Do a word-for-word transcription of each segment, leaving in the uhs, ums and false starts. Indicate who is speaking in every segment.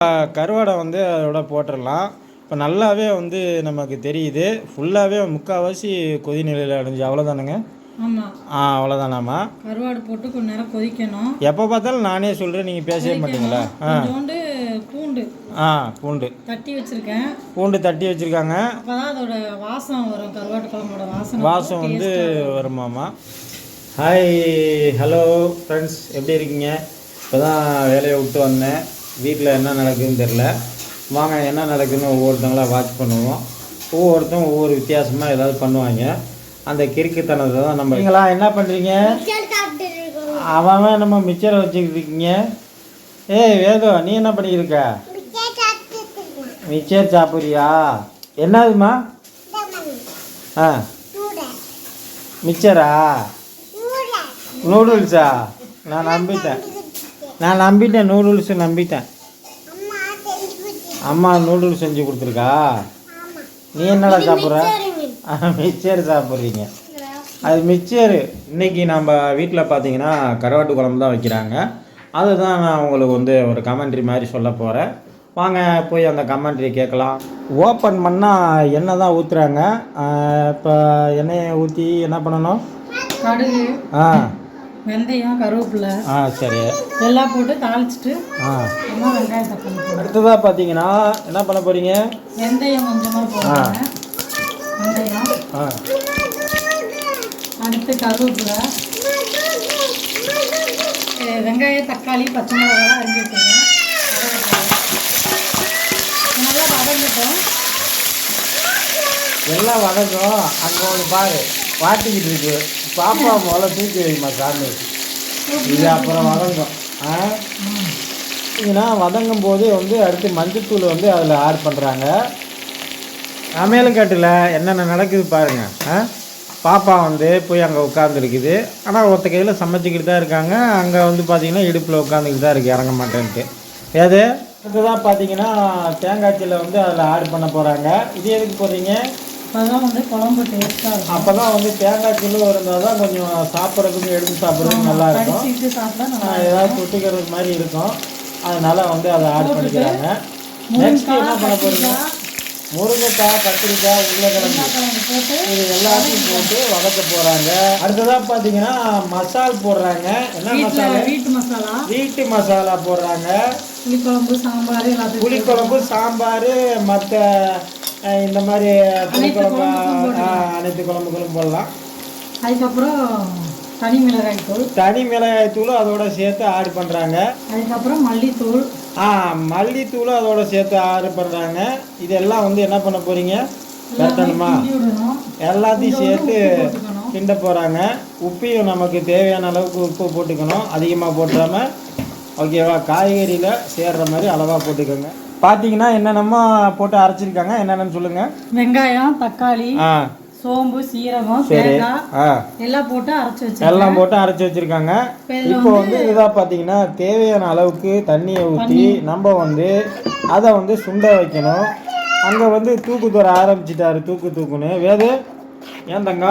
Speaker 1: கருவாடை வந்து அதோட போட்டுடலாம். இப்போ நல்லாவே வந்து நமக்கு தெரியுது, ஃபுல்லாகவே முக்கால்வாசி கொதி நிலையில் அடைஞ்சு. அவ்வளோதானுங்க?
Speaker 2: ஆமாம்.
Speaker 1: ஆ அவ்வளோதானாம்மா.
Speaker 2: கருவாடு போட்டு கொஞ்ச நேரம் கொதிக்கணும்.
Speaker 1: எப்போ பார்த்தாலும் நானே சொல்கிறேன், நீங்கள் பேசவே மாட்டீங்களா?
Speaker 2: ஆ கொஞ்சோண்டு பூண்டு
Speaker 1: ஆ பூண்டு
Speaker 2: தட்டி வச்சுருக்கேன்.
Speaker 1: பூண்டு தட்டி வச்சுருக்காங்க.
Speaker 2: அப்போ தான் அதோட வாசம் வரும், கருவாட்டு குழம்போட வாசம்
Speaker 1: வாசம் வந்து வருமாம்மா. ஹாய், ஹலோ ஃப்ரெண்ட்ஸ், எப்படி இருக்கீங்க? இப்போ தான் வேலையை விட்டு வந்தேன். வீட்டில் என்ன நடக்குதுன்னு தெரில. வாங்க என்ன நடக்குதுன்னு ஒவ்வொருத்தங்களாக வாட்ச் பண்ணுவோம். ஒவ்வொருத்தரும் ஒவ்வொரு வித்தியாசமாக ஏதாவது பண்ணுவாங்க. அந்த கிறுக்குத்தனத்தை தான் நம்ம. நீங்களா என்ன பண்ணுறீங்க? அவன் நம்ம மிச்சரை வச்சுக்கிட்டு இருக்கீங்க. ஏய் வேதோ, நீ என்ன பண்ணிக்கிருக்க? மிச்சர் சாப்பிட்றியா? என்னதுமா? ஆ மிச்சரா? நூடுல்ஸா? நான் நம்பிட்டேன் நான் நம்பிட்டேன் நூடுல்ஸு நம்பிட்டேன். அம்மா நூடுல்ஸ் செஞ்சு கொடுத்துருக்கா? நீ என்னடா சாப்பிட்ற? மிச்சர் சாப்பிட்றீங்க. அது மிச்சரு. இன்றைக்கி நம்ம வீட்டில் பார்த்தீங்கன்னா கருவாட்டு குழம்பு தான் வைக்கிறாங்க. அதுதான் நான் உங்களுக்கு வந்து ஒரு கமெண்ட்ரி மாதிரி சொல்ல போகிறேன். வாங்க போய் அந்த கமெண்ட்ரி கேட்கலாம். ஓப்பன் பண்ணால் எண்ணெய் தான் ஊற்றுறாங்க. இப்போ எண்ணெயை ஊற்றி என்ன பண்ணணும்?
Speaker 2: கடுகு,
Speaker 1: ஆ
Speaker 2: வெந்தயம், கருவேப்பிலை,
Speaker 1: ஆ சரி
Speaker 2: எல்லாம் போட்டு தாளிச்சிட்டு
Speaker 1: ஆ
Speaker 2: வெங்காயம் தக்காளி போட்டு
Speaker 1: அடுத்ததாக பார்த்தீங்கன்னா என்ன பண்ண போகிறீங்க?
Speaker 2: வெந்தயம் கொஞ்சமாக போடுங்க. வெந்தயம்,
Speaker 1: ஆ
Speaker 2: அடுத்து கருவேப்பிலை, வெங்காயம், தக்காளி, பச்சை மிளகாய் அரிஞ்சு வச்சுருங்க. நல்லா வதங்கிட்டோம்.
Speaker 1: எல்லாம் வதங்கும். அங்கே ஒன்று பாரு வாட்டிக்கிட்டு இருக்கு. பாப்பா முதல்ல தூக்கி வைமா சாமி. இது அப்புறம் வதங்கும். ஆ ஏன்னா வதங்கும் போது வந்து அடுத்து மஞ்சத்தூள் வந்து அதில் ஆட் பண்ணுறாங்க. சமையல் கட்டில் என்னென்ன நடக்குது பாருங்கள். ஆ பாப்பா வந்து போய் அங்கே உட்காந்துருக்குது. ஆனால் ஒருத்த கையில் சமைச்சிக்கிட்டு தான் இருக்காங்க. அங்கே வந்து பார்த்திங்கன்னா இடுப்பில் உட்காந்துக்கிட்டு தான் இருக்குது, இறங்க மாட்டேன்ட்டு. ஏது அடுத்ததான் பார்த்தீங்கன்னா தேங்காய் சீலை வந்து அதில் ஆட் பண்ண போகிறாங்க. இது எதுக்கு போடுறீங்க?
Speaker 2: அப்போதான் வந்து குழம்பு டேஸ்ட்டாக இருக்கும்.
Speaker 1: அப்போ தான் வந்து தேங்காய் கிலோ இருந்தால் தான் கொஞ்சம் சாப்பிட்றதுக்கு எடுத்து சாப்பிட்றதுக்கு நல்லா இருக்கும். ஏதாவது தொட்டுக்கிறதுக்கு மாதிரி இருக்கும். அதனால் வந்து அதை ஆட் பண்ணிக்கிறாங்க. நெக்ஸ்ட் என்ன பண்ண போகிறீங்க? முருங்கைக்காய், கத்திரிக்காய், உருளைக்கிழங்கு போட்டு இது எல்லாத்தையும் போட்டு வதக்க போகிறாங்க. அடுத்ததாக பார்த்தீங்கன்னா மசால் போடுறாங்க. என்ன மசாலா? வீட்டு மசாலா. வீட்டு மசாலா போடுறாங்க.
Speaker 2: புளிக்குழம்பு, சாம்பார்,
Speaker 1: புளிக்குழம்பு, சாம்பார், மற்ற இந்த மாதிரி புளிக்குழம்பு அனைத்து குழம்புகளும் போடலாம்.
Speaker 2: அதுக்கப்புறம் தனி மிளகாய் தூள்
Speaker 1: தனி மிளகாய் தூளும் அதோட சேர்த்து ஆட் பண்ணுறாங்க.
Speaker 2: அதுக்கப்புறம் மல்லித்தூள்,
Speaker 1: ஆ மல்லித்தூளும் அதோட சேர்த்து ஆட் பண்ணுறாங்க. இதெல்லாம் வந்து என்ன பண்ண போகிறீங்க? கட்டணுமா? எல்லாத்தையும் சேர்த்து கிண்ட போகிறாங்க. உப்பையும் நமக்கு தேவையான அளவுக்கு உப்பு போட்டுக்கணும். அதிகமாக போட்டுறாமல் ஓகேவா? காய்கறியில் சேர்கிற மாதிரி அளவாக போட்டுக்கோங்க. பார்த்தீங்கன்னா என்னென்னமோ போட்டு அரைச்சிருக்காங்க. என்னென்னு சொல்லுங்கள்.
Speaker 2: வெங்காயம், தக்காளி, ஆ சோம்பு, சீரகம், தேங்காய் எல்லாம் போட்டு அரைச்சி வச்சு
Speaker 1: எல்லாம் போட்டு அரைச்சி வச்சுருக்காங்க. இப்போ வந்து இதாக பார்த்தீங்கன்னா தேவையான அளவுக்கு தண்ணியை ஊற்றி நம்ம வந்து அதை வந்து சுண்ட வைக்கணும். அங்கே வந்து தூக்கு தூர ஆரம்பிச்சிட்டாரு. தூக்கு தூக்குன்னு வேது ஏன் தங்க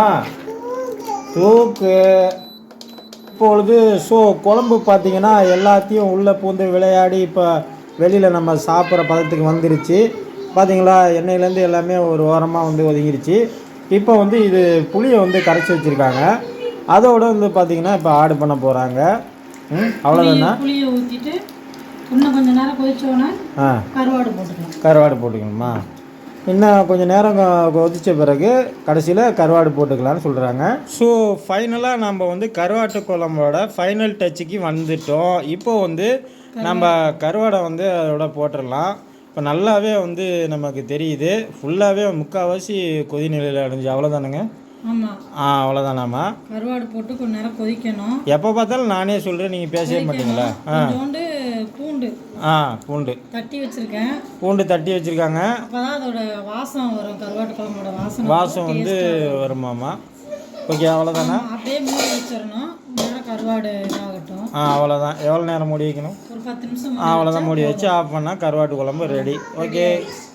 Speaker 1: தூக்கு. இப்பொழுது ஸோ குழம்பு பார்த்தீங்கன்னா எல்லாத்தையும் உள்ளே பூந்து விளையாடி இப்போ வெளியில் நம்ம சாப்பிட்ற பதத்துக்கு வந்துருச்சு. பார்த்தீங்களா? எண்ணெயிலேருந்து எல்லாமே ஒரு ஓரமாக வந்து ஒதுங்கிருச்சு. இப்போ வந்து இது புளியை வந்து கரைச்சி வச்சுருக்காங்க. அதோடு வந்து பார்த்திங்கன்னா இப்போ ஆட் பண்ண போகிறாங்க. ம் அவ்வளோதானா?
Speaker 2: புளியை ஊற்றிட்டு இன்னும் கொஞ்சம் நேரம் கொதிச்சோன்னா ஆ கருவாடு போட்டுக்கலாம்.
Speaker 1: கருவாடு போட்டுக்கணுமா? இன்னும் கொஞ்சம் நேரம் கொதித்த பிறகு கடைசியில் கருவாடு போட்டுக்கலான்னு சொல்கிறாங்க. ஸோ ஃபைனலாக நம்ம வந்து கருவாட்டு குழம்போட ஃபைனல் டச்சுக்கு வந்துட்டோம். இப்போ வந்து நம்ம கருவாடை வந்து அதோட போட்டுடலாம். இப்போ நல்லாவே வந்து நமக்கு தெரியுது, ஃபுல்லாகவே முக்கால்வாசி கொதி நிலையில் அடைஞ்சு. அவ்வளோதானுங்க?
Speaker 2: ஆமாம்.
Speaker 1: ஆ அவ்வளோதானாம்மா.
Speaker 2: கருவாடு போட்டு கொஞ்ச நேரம் கொதிக்கணும்.
Speaker 1: எப்போ பார்த்தாலும் நானே சொல்கிறேன், நீங்கள் பேசவே மாட்டீங்களா? ஆ
Speaker 2: பூண்டு
Speaker 1: ஆ பூண்டு
Speaker 2: தட்டி வச்சுருக்கேன்.
Speaker 1: பூண்டு தட்டி வச்சுருக்காங்க.
Speaker 2: அப்போ தான் அதோட வாசம் வரும், கருவாட்டு குழம்போட வாசம்
Speaker 1: வாசம் வந்து வருமாம்மா. ஓகே அவ்வளோதானா?
Speaker 2: அப்படியே மூடி வச்சிடணும். நேரம் கருவாடு இதாகட்டும்.
Speaker 1: ஆ அவ்வளோதான். எவ்வளோ நேரம் மூடி வைக்கணும்?
Speaker 2: ஒரு பத்து நிமிஷம்.
Speaker 1: அவ்வளோதான். மூடி வச்சு ஆஃப் பண்ணால் கருவாட்டு குழம்பு ரெடி. ஓகே.